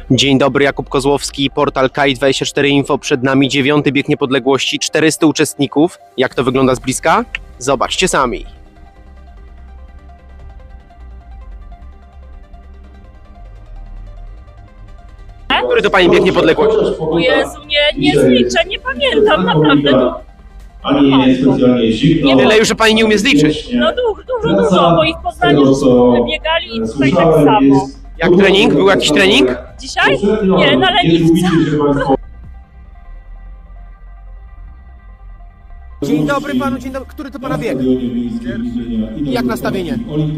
Dzień dobry, Jakub Kozłowski, portal KAI24 Info. Przed nami 9. bieg niepodległości, 400 uczestników. Jak to wygląda z bliska? Zobaczcie sami. Który to Pani bieg niepodległości? O Jezu, nie zliczę, nie pamiętam, naprawdę. Ani specjalnie zimno. Nie tyle już, że Pani nie umie zliczyć. No dużo, bo ich w Poznaniu biegali i tutaj tak samo. Jak trening? Był jakiś trening? Dzisiaj? Nie, na leniwce. Dzień dobry Panu, dzień dobry. Który to Pana bieg? I jak nastawienie?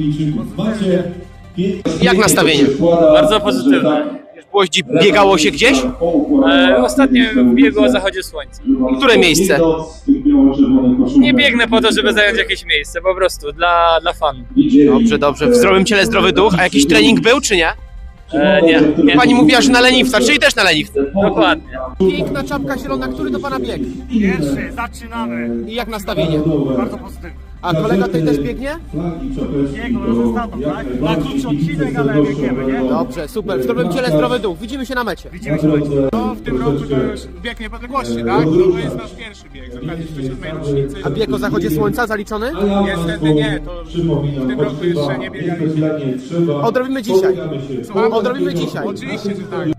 Jak Jak nastawienie? Bardzo pozytywne. Biegało się gdzieś? Ostatnio biegło o zachodzie słońca. Które miejsce? Nie biegnę po to, żeby zająć jakieś miejsce, po prostu dla fanu. Dobrze. W zdrowym ciele zdrowy duch. A jakiś trening był, czy nie? Nie. Pani mówiła, że na leniwca, czyli też na leniwce. Dokładnie. Piękna czapka zielona. Który to Pana bieg? Pierwszy, zaczynamy. I jak nastawienie? Bardzo pozytywnie. A kolega tutaj też biegnie? Jego zostaną, tak? Na krótszy odcinek, ale biegniemy, nie? Dobrze, super. W zdrowym ciele zdrowy duch. Widzimy się na mecie. Widzimy się. No, w tym roku to już bieg niepodległości, tak? To jest nasz pierwszy bieg z okazji 107. rocznicy. A bieg o zachodzie słońca zaliczony? Niestety nie, to w tym roku jeszcze nie biegaliśmy. Odrobimy dzisiaj. Słucham? Odrobimy dzisiaj. Oczywiście, że tak.